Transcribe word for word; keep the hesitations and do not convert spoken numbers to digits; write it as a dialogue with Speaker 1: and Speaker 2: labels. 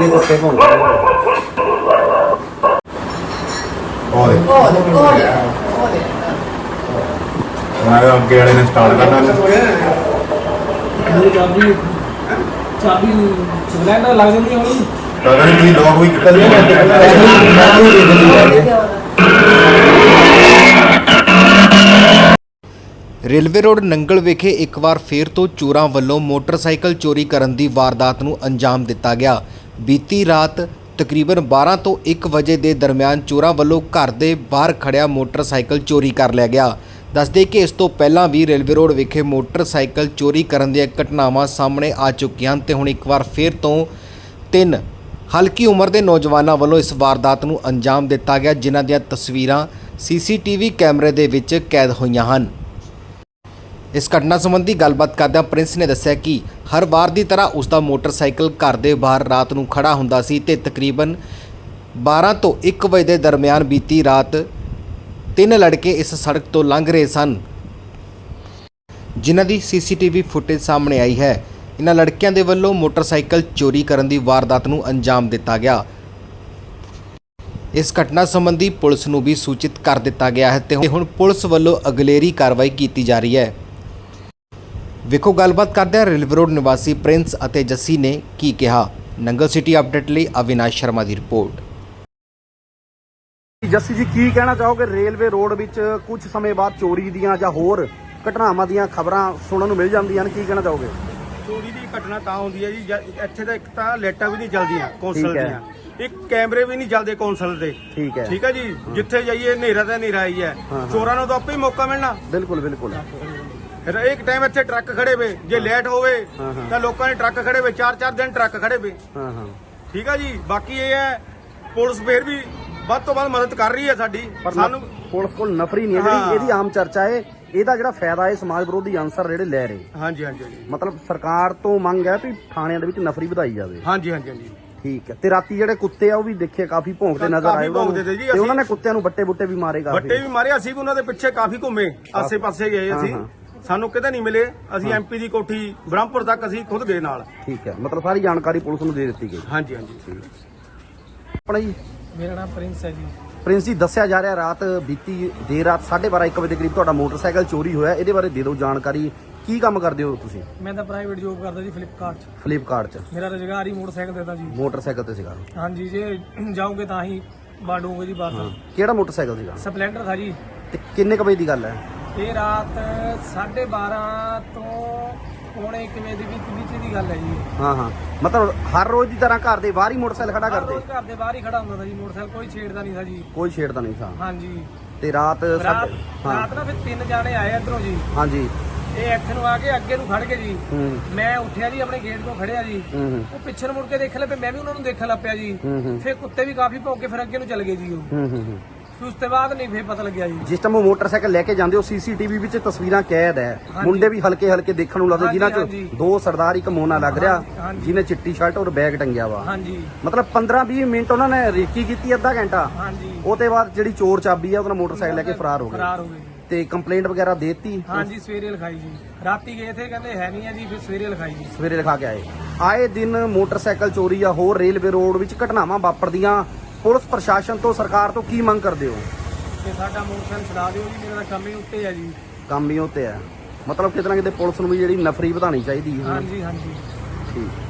Speaker 1: ਅੱਗੇ ਦੱਸੇ ਭੌਂਕ
Speaker 2: ਓਏ ਮੈਂ ਅੱਗੇ ਵਾਲੇ ਨੇ ਸਟਾਰਟ ਕਰਨਾ
Speaker 3: ਚਾਬੀ ਚਾਬੀ ਸਿਲੰਡਰ ਲੱਗ ਜਾਂਦੀ ਹੋਣੀ
Speaker 2: ਪਤਾ ਨਹੀਂ ਕੀ ਲੋਕ ਵੀ ਕਿੱਥੇ
Speaker 4: ਰੇਲਵੇ ਰੋਡ ਨੰਗਲ ਵਿਖੇ ਇੱਕ ਵਾਰ ਫੇਰ ਤੋਂ ਚੋਰਾਂ ਵੱਲੋਂ ਮੋਟਰਸਾਈਕਲ ਚੋਰੀ ਕਰਨ ਦੀ ਵਾਰਦਾਤ ਨੂੰ ਅੰਜਾਮ ਦਿੱਤਾ ਗਿਆ। ਬੀਤੀ ਰਾਤ ਤਕਰੀਬਨ ਬਾਰਾਂ ਤੋਂ ਇੱਕ ਵਜੇ ਦੇ ਦਰਮਿਆਨ ਚੋਰਾਂ ਵੱਲੋਂ ਘਰ ਦੇ ਬਾਹਰ ਖੜਿਆ ਮੋਟਰਸਾਈਕਲ ਚੋਰੀ ਕਰ ਲਿਆ ਗਿਆ। ਦੱਸਦੇ ਕਿ ਇਸ ਤੋਂ ਪਹਿਲਾਂ ਵੀ ਰੇਲਵੇ ਰੋਡ ਵਿਖੇ ਮੋਟਰਸਾਈਕਲ ਚੋਰੀ ਕਰਨ ਦੀਆਂ ਘਟਨਾਵਾਂ ਸਾਹਮਣੇ ਆ ਚੁੱਕੀਆਂ ਹਨ ਤੇ ਹੁਣ ਇੱਕ ਵਾਰ ਫੇਰ ਤੋਂ ਤਿੰਨ ਹਲਕੀ ਉਮਰ ਦੇ ਨੌਜਵਾਨਾਂ ਵੱਲੋਂ ਇਸ ਵਾਰਦਾਤ ਨੂੰ ਅੰਜਾਮ ਦਿੱਤਾ ਗਿਆ, ਜਿਨ੍ਹਾਂ ਦੀਆਂ ਤਸਵੀਰਾਂ ਸੀਸੀਟੀਵੀ ਕੈਮਰੇ ਦੇ ਵਿੱਚ ਕੈਦ ਹੋਈਆਂ ਹਨ। ਇਸ ਘਟਨਾ ਸੰਬੰਧੀ ਗੱਲਬਾਤ ਕਰਦਿਆਂ ਪ੍ਰਿੰਸ ਨੇ ਦੱਸਿਆ ਕਿ ਹਰ ਵਾਰ ਦੀ ਤਰ੍ਹਾਂ ਉਸ ਦਾ ਮੋਟਰਸਾਈਕਲ ਘਰ ਦੇ ਬਾਹਰ ਰਾਤ ਨੂੰ ਖੜਾ ਹੁੰਦਾ ਸੀ ਤੇ ਤਕਰੀਬਨ ਬਾਰਾਂ ਤੋਂ ਇੱਕ ਵਜੇ ਦੇ ਦਰਮਿਆਨ ਬੀਤੀ ਰਾਤ ਤਿੰਨ ਲੜਕੇ ਇਸ ਸੜਕ ਤੋਂ ਲੰਘ ਰਹੇ ਸਨ, ਜਿਨ੍ਹਾਂ ਦੀ ਸੀਸੀਟੀਵੀ ਫੁਟੇਜ ਸਾਹਮਣੇ ਆਈ ਹੈ। ਇਹਨਾਂ ਲੜਕਿਆਂ ਦੇ ਵੱਲੋਂ ਮੋਟਰਸਾਈਕਲ ਚੋਰੀ ਕਰਨ ਦੀ ਵਾਰਦਾਤ ਨੂੰ ਅੰਜਾਮ ਦਿੱਤਾ ਗਿਆ। ਇਸ ਘਟਨਾ ਸੰਬੰਧੀ ਪੁਲਿਸ ਨੂੰ ਵੀ ਸੂਚਿਤ ਕਰ ਦਿੱਤਾ ਗਿਆ ਹੈ ਤੇ ਹੁਣ ਪੁਲਿਸ ਵੱਲੋਂ ਅਗਲੇਰੀ ਕਾਰਵਾਈ ਕੀਤੀ ਜਾ ਰਹੀ ਹੈ। ਵੇਖੋ ਗੱਲਬਾਤ ਕਰਦਿਆਂ ਰੇਲਵੇ ਰੋਡ ਨਿਵਾਸੀ ਪ੍ਰਿੰਸ ਅਤੇ ਜੱਸੀ ਨੇ ਕੀ ਕਿਹਾ। ਨੰਗਲ ਸਿਟੀ ਅਪਡੇਟ ਲਈ ਅਵਿਨਾਸ਼ ਸ਼ਰਮਾ ਦੀ ਰਿਪੋਰਟ।
Speaker 1: ਜੱਸੀ ਜੀ ਕੀ ਕਹਿਣਾ ਚਾਹੋਗੇ? ਰੇਲਵੇ ਰੋਡ ਵਿੱਚ ਕੁਝ ਸਮੇਂ ਬਾਅਦ ਚੋਰੀ ਦੀਆਂ ਜਾਂ ਹੋਰ ਘਟਨਾਵਾਂ ਦੀਆਂ ਖਬਰਾਂ ਸੁਣਨ ਨੂੰ ਮਿਲ ਜਾਂਦੀਆਂ ਨੇ, ਕੀ ਕਹਿਣਾ ਚਾਹੋਗੇ?
Speaker 5: ਚੋਰੀ ਦੀ ਘਟਨਾ ਤਾਂ ਹੁੰਦੀ ਹੈ ਜੀ ਇੱਥੇ ਤਾਂ ਇੱਕ ਤਾਂ ਲਾਈਟਾਂ ਵੀ ਨਹੀਂ ਚੱਲਦੀਆਂ ਕੌਂਸਲ ਦੀਆਂ, ਇੱਕ ਕੈਮਰੇ ਵੀ ਨਹੀਂ ਚੱਲਦੇ ਕੌਂਸਲ ਦੇ।
Speaker 1: ਠੀਕ ਹੈ
Speaker 5: ਠੀਕ ਹੈ ਜੀ, ਜਿੱਥੇ ਜਾਈਏ ਹਨੇਰਾ ਤਾਂ ਹਨੇਰਾ ਹੀ ਹੈ, ਚੋਰਾਂ ਨੂੰ ਤਾਂ ਆਪੇ ਹੀ ਮੌਕਾ ਮਿਲਣਾ।
Speaker 1: ਬਿਲਕੁਲ ਬਿਲਕੁਲ।
Speaker 5: ਫਿਰ ਇੱਕ ਟਾਈਮ ਇੱਥੇ ਟਰੱਕ ਖੜੇ ਵੇ, ਜੇ ਲੇਟ ਹੋਵੇ ਤਾਂ ਲੋਕਾਂ ਨੇ ਟਰੱਕ ਖੜੇ ਵੇ, ਚਾਰ ਚਾਰ ਦਿਨ ਟਰੱਕ ਖੜੇ ਵੇ।
Speaker 1: ਹਾਂ ਹਾਂ
Speaker 5: ਠੀਕ ਹੈ ਜੀ, ਬਾਕੀ ਇਹ ਹੈ ਪੁਲਿਸ ਫੇਰ ਵੀ ਵੱਧ ਤੋਂ ਵੱਧ ਮਦਦ ਕਰ ਰਹੀ ਹੈ ਸਾਡੀ,
Speaker 1: ਪਰ
Speaker 5: ਸਾਨੂੰ
Speaker 1: ਪੁਲਿਸ ਕੋਲ ਨਫਰੀ ਨਹੀਂ ਹੈ ਜਿਹੜੀ ਇਹਦੀ ਆਮ ਚਰਚਾ ਹੈ। ਇਹਦਾ ਜਿਹੜਾ ਫਾਇਦਾ ਹੈ ਸਮਾਜ ਵਿਰੋਧੀ ਅਨਸਰ ਜਿਹੜੇ ਲੈ ਰਹੇ।
Speaker 5: ਹਾਂਜੀ ਹਾਂਜੀ ਹਾਂਜੀ
Speaker 1: ਮਤਲਬ ਸਰਕਾਰ ਤੋਂ ਮੰਗ ਹੈ ਵੀ ਥਾਣਿਆਂ ਦੇ ਵਿੱਚ ਨਫਰੀ ਵਧਾਈ ਜਾਵੇ।
Speaker 5: ਹਾਂਜੀ ਹਾਂਜੀ ਹਾਂਜੀ
Speaker 1: ਠੀਕ ਹੈ। ਤੇ ਰਾਤੀ ਜਿਹੜੇ ਕੁੱਤੇ ਆ ਉਹ ਵੀ ਦੇਖੇ ਕਾਫੀ ਭੌਂਕਦੇ ਨਜ਼ਰ ਆਏ
Speaker 5: ਭੌਂਕਦੇ ਤੇ ਜੀ,
Speaker 1: ਤੇ ਉਹਨਾਂ ਨੇ ਕੁੱਤਿਆਂ ਨੂੰ ਬੱਟੇ ਬੁੱਟੇ ਵੀ ਮਾਰੇ ਕਾਫੀ।
Speaker 5: ਬੱਟੇ ਵੀ ਮਾਰੇ, ਅਸੀਂ ਵੀ ਉਹਨਾਂ ਦੇ ਪਿੱਛੇ ਕਾਫੀ ਘੁੰਮੇ, ਆਸੇ ਪਾਸੇ ਗਏ ਅਸੀਂ, ਸਾਨੂੰ ਕਿਤੇ ਨਹੀਂ ਮਿਲੇ। ਅਸੀਂ ਐਮਪੀ ਦੀ ਕੋਠੀ ਬ੍ਰਹਮਪੁਰ ਤੱਕ ਅਸੀਂ ਖੁਦ ਗਏ ਨਾਲ।
Speaker 1: ਠੀਕ ਹੈ, ਮਤਲਬ ਸਾਰੀ ਜਾਣਕਾਰੀ ਪੁਲਿਸ ਨੂੰ ਦੇ ਦਿੱਤੀ ਗਈ।
Speaker 5: ਹਾਂਜੀ ਹਾਂਜੀ ਠੀਕ।
Speaker 1: ਆਪਣਾ ਜੀ
Speaker 3: ਮੇਰਾ ਨਾਮ ਪ੍ਰਿੰਸ ਹੈ ਜੀ।
Speaker 1: ਪ੍ਰਿੰਸ ਜੀ, ਦੱਸਿਆ ਜਾ ਰਿਹਾ ਰਾਤ ਬੀਤੀ ਦੇਰ ਰਾਤ ਸਾਢੇ ਬਾਰਾਂ ਇੱਕ ਵਜੇ ਦੇ ਕਰੀਬ ਤੁਹਾਡਾ ਮੋਟਰਸਾਈਕਲ ਚੋਰੀ ਹੋਇਆ, ਇਹਦੇ ਬਾਰੇ ਦੇ ਦਿਓ ਜਾਣਕਾਰੀ। ਕੀ ਕੰਮ ਕਰਦੇ ਹੋ ਤੁਸੀਂ?
Speaker 3: ਮੈਂ ਤਾਂ ਪ੍ਰਾਈਵੇਟ ਜੋਬ ਕਰਦਾ ਜੀ ਫਲਿੱਪਕਾਰਟ 'ਚ।
Speaker 1: ਫਲਿੱਪਕਾਰਟ 'ਚ
Speaker 3: ਮੇਰਾ ਰੁਜ਼ਗਾਰ ਹੀ ਮੋਟਰਸਾਈਕਲ ਦੇਦਾ ਜੀ।
Speaker 1: ਮੋਟਰਸਾਈਕਲ ਤੇ ਸੀਗਾ?
Speaker 3: ਹਾਂਜੀ, ਜੇ ਜਾਓਗੇ ਤਾਂ ਹੀ ਬਾਡੋਗੇ ਜੀ ਬਾਹਰ।
Speaker 1: ਕਿਹੜਾ ਮੋਟਰਸਾਈਕਲ ਸੀਗਾ?
Speaker 3: ਸਪਲੈਂਡਰ ਥਾ ਜੀ।
Speaker 1: ਤੇ ਕਿੰਨੇ ਕੁ ਵਜੇ ਦੀ ਗੱਲ ਹੈ?
Speaker 3: ਇਹ ਰਾਤ ਸਾਢੇ ਬਾਰਾਂ ਤੋਂ ਪੌਣੇ ਇੱਕ ਵਜੇ ਦੇ ਵਿੱਚ ਵਿੱਚ ਦੀ ਗੱਲ ਹੈ ਜੀ।
Speaker 1: ਹਾਂ ਹਾਂ, ਮਤਲਬ ਹਰ ਰੋਜ਼ ਦੀ ਤਰ੍ਹਾਂ ਘਰ ਦੇ ਬਾਹਰ ਹੀ ਮੋਟਰਸਾਈਕਲ ਖੜਾ ਕਰਦੇ?
Speaker 3: ਘਰ ਦੇ ਬਾਹਰ ਹੀ ਖੜਾ ਹੁੰਦਾ था ਜੀ ਮੋਟਰਸਾਈਕਲ, ਕੋਈ ਛੇੜਦਾ ਨਹੀਂ था ਜੀ।
Speaker 1: ਕੋਈ ਛੇੜਦਾ ਨਹੀਂ ਸੀ।
Speaker 3: ਹਾਂਜੀ।
Speaker 1: ਤੇ ਰਾਤ
Speaker 3: ਰਾਤ
Speaker 1: ਹਾਂ
Speaker 3: ਰਾਤ ਨਾ ਫਿਰ ਤਿੰਨ ਜਾਣੇ ਆਏ ਇੱਧਰੋਂ ਜੀ।
Speaker 1: ਹਾਂਜੀ।
Speaker 3: ਇਹ ਇੱਥੇ ਨੂੰ ਆ ਕੇ ਅੱਗੇ ਨੂੰ ਖੜ ਕੇ ਜੀ।
Speaker 1: ਹੂੰ
Speaker 3: ਮੈਂ ਉੱਠਿਆ ਜੀ, ਆਪਣੇ ਗੇਟ ਤੋਂ ਖੜਿਆ ਜੀ।
Speaker 1: ਹੂੰ
Speaker 3: ਉਹ ਪਿੱਛੇ ਨੂੰ ਮੁੜ ਕੇ ਦੇਖਣ ਲੱਗੇ, ਮੈਂ ਵੀ ਉਹਨਾਂ ਨੂੰ ਦੇਖਣ ਲੱਗ ਪਿਆ ਜੀ।
Speaker 1: ਹੂੰ
Speaker 3: ਫਿਰ ਕੁੱਤੇ ਵੀ ਕਾਫੀ ਭੌਂਕੇ, ਫਿਰ ਅੱਗੇ ਨੂੰ ਚਲੇ ਗਏ ਜੀ ਉਹ।
Speaker 1: ਹੂੰ ਹੂੰ।
Speaker 3: ਫਿਰ ਉਸ ਤੋਂ ਬਾਅਦ ਨਹੀਂ ਫਿਰ ਪਤਾ ਲੱਗਿਆ ਜੀ।
Speaker 1: ਜਿਸ ਟਾਈਮ ਉਹ ਮੋਟਰਸਾਈਕਲ ਲੈ ਕੇ ਜਾਂਦੇ ਹੋ ਸੀਸੀਟੀਵੀ ਵਿੱਚ ਤਸਵੀਰਾਂ ਕੈਦ ਹੈ। ਮੁੰਡੇ ਵੀ ਹਲਕੇ ਹਲਕੇ ਦੇਖਣ ਨੂੰ ਲੱਗਦੇ, ਜਿਨ੍ਹਾਂ ਚ ਦੋ ਸਰਦਾਰ ਇੱਕ ਮੋਨਾ ਲੱਗ ਰਿਹਾ, ਜਿਹਨੇ ਚਿੱਟੀ ਸ਼ਰਟ ਔਰ ਬੈਗ ਟੰਗਿਆ ਵਾ।
Speaker 3: ਹਾਂਜੀ।
Speaker 1: ਮਤਲਬ ਪੰਦਰਾਂ ਵੀਹ ਮਿੰਟ ਉਹਨਾਂ ਨੇ ਰੇਕੀ ਕੀਤੀ, ਅੱਧਾ ਘੰਟਾ।
Speaker 3: ਹਾਂਜੀ।
Speaker 1: ਉਹ ਤੋਂ ਬਾਅਦ ਜਿਹੜੀ ਚੋਰ ਚਾਬੀ ਆ ਉਹਦਾ ਮੋਟਰਸਾਈਕਲ ਲੈ ਕੇ ਫਰਾਰ ਹੋ ਗਏ।
Speaker 3: ਫਰਾਰ ਹੋ ਗਏ।
Speaker 1: ਤੇ ਕੰਪਲੇਂਟ ਵਗੈਰਾ ਦੇਤੀ?
Speaker 3: ਹਾਂਜੀ, ਸਵੇਰੇ ਲਿਖਾਈ ਜੀ। ਰਾਤੀ ਗਏ ਥੇ, ਕਹਿੰਦੇ ਹੈ ਨਹੀਂ ਹੈ ਜੀ, ਫਿਰ ਸਵੇਰੇ ਲਿਖਾਈ ਜੀ।
Speaker 1: ਸਵੇਰੇ ਲਿਖਾ ਕੇ ਆਏ। ਆਏ ਦਿਨ ਮੋਟਰਸਾਈਕਲ ਚੋਰੀ ਜਾਂ ਹੋਰ ਰੇਲਵੇ ਰੋਡ ਵਿੱਚ ਘਟਨਾਵਾਂ ਵਾਪਰਦੀਆਂ, ਪੁਲਿਸ ਪ੍ਰਸ਼ਾਸਨ ਤੋਂ ਸਰਕਾਰ ਤੋਂ ਕੀ ਮੰਗ ਕਰਦੇ ਹੋ?
Speaker 3: ਤੇ ਸਾਡਾ ਮੋਟਰਸਾਈਕਲ ਛਡਾ ਦਿਓ ਜੀ, ਮੇਰਾ ਕੰਮ ਹੀ ਉੱਤੇ ਹੈ ਜੀ।
Speaker 1: ਕੰਮ ਹੀ ਉੱਤੇ ਹੈ, ਮਤਲਬ ਕਿਤੇ ਨਾ ਕਿਤੇ ਪੁਲਿਸ ਨੂੰ ਵੀ ਜਿਹੜੀ ਨਫਰੀ ਵਧਾਉਣੀ ਚਾਹੀਦੀ ਹੈ।
Speaker 3: ਹਾਂਜੀ ਹਾਂਜੀ।
Speaker 1: ਠੀਕ।